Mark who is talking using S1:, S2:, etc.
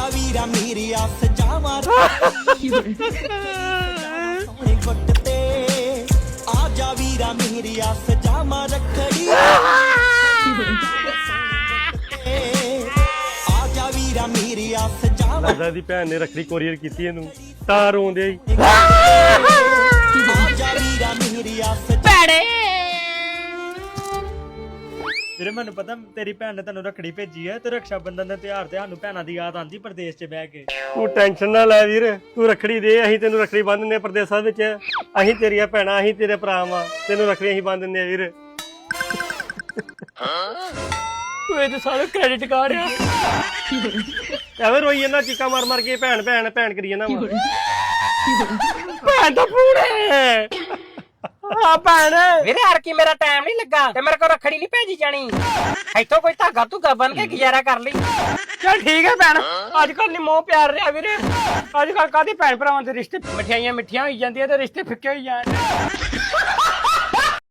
S1: ਜਾ ਵੀਰਾ ਮੇਰੀ ਆਸ ਜਾਵਾਂ ਸੋਹਣੇ ਗੁੱਟ ਤੇ ਆ ਜਾ ਵੀਰਾ ਮੇਰੀ ਆਸ ਜਾਵਾਂ ਰੱਖੜੀ ਆ ਜਾ ਵੀਰਾ ਮੇਰੀ ਆਸ ਜਾਵਾਂ
S2: ਲੱਗਦਾ ਦੀ ਭੈਣ ਨੇ ਰੱਖੜੀ ਕੋਰੀਅਰ ਕੀਤੀ ਇਹਨੂੰ ਤਾਂ ਰੋਂਦੇ ਹੀ
S1: ਆ ਜਾ ਵੀਰਾ ਮੇਰੀ ਆਸ
S3: ਭੈੜੇ
S4: ਵੀਰੇ ਮੈਨੂੰ ਪਤਾ ਤੇਰੀ ਭੈਣ ਨੇ ਤੈਨੂੰ ਰੱਖੜੀ ਭੇਜੀ ਹੈ ਤੇ ਰਕਸ਼ਾ ਬੰਧਨ ਦੇ ਤਿਉਹਾਰ ਤੇ ਸਾਨੂੰ ਭੈਣਾਂ ਦੀ ਯਾਦ ਆਂਦੀ ਪ੍ਰਦੇਸ਼ 'ਚ ਬਹਿ ਕੇ।
S2: ਤੂੰ ਟੈਨਸ਼ਨ ਨਾ ਲੈ ਵੀਰ ਤੂੰ ਰੱਖੜੀ ਦੇ ਅਸੀਂ ਤੈਨੂੰ ਰੱਖੜੀ ਬੰਨ ਦਿੰਦੇ ਪ੍ਰਦੇਸਾਂ ਵਿੱਚ ਅਸੀਂ ਤੇਰੀਆਂ ਭੈਣਾਂ ਅਸੀਂ ਤੇਰੇ ਭਰਾ ਵਾਂ ਤੈਨੂੰ ਰੱਖੜੀ ਅਸੀਂ ਬੰਨ ਦਿੰਦੇ ਆ ਵੀਰ
S3: ਓਏ ਤੇ ਸਾਰਾ ਕ੍ਰੈਡਿਟ ਕਾਰਡ ਆ
S2: ਐਵੇਂ ਰੋਈ ਇਹਨਾਂ ਚੀਕਾਂ ਮਾਰ ਮਾਰ ਕੇ ਭੈਣ ਭੈਣ ਭੈਣ ਕਰੀ ਜਾਂਦਾ ਵਾ
S3: ਭੈਣ ਦਾ ਪੂੜੇ ਆ ਭੈਣ ਵੀਰੇ ਹਰ ਕੀ ਮੇਰਾ ਟਾਈਮ ਨਹੀਂ ਲੱਗਾ ਤੇ ਮੇਰੇ ਕੋਲ ਰੱਖੜੀ ਨਹੀਂ ਭੇਜੀ ਜਾਣੀ ਇੱਥੋਂ ਕੋਈ ਧਾਗਾ ਧੁਗਾ ਬਨ ਕੇ ਗੁਜ਼ਾਰਾ ਕਰ ਲਈ ਚਲ ਠੀਕ ਹੈ ਭੈਣ ਅੱਜ ਕੱਲ ਨਹੀਂ ਮੋਹ ਪਿਆਰ ਰਿਹਾ ਵੀਰੇ ਅੱਜ ਕੱਲ ਕਾਹਦੀ ਭੈਣ ਭਰਾਵਾਂ ਦੇ ਰਿਸ਼ਤੇ ਮਠਿਆਈਆਂ ਮਿੱਠੀਆਂ ਹੋਈ ਜਾਂਦੀਆਂ ਤੇ ਰਿਸ਼ਤੇ ਫਿੱਕੇ ਹੋਈ ਜਾਂਦੇ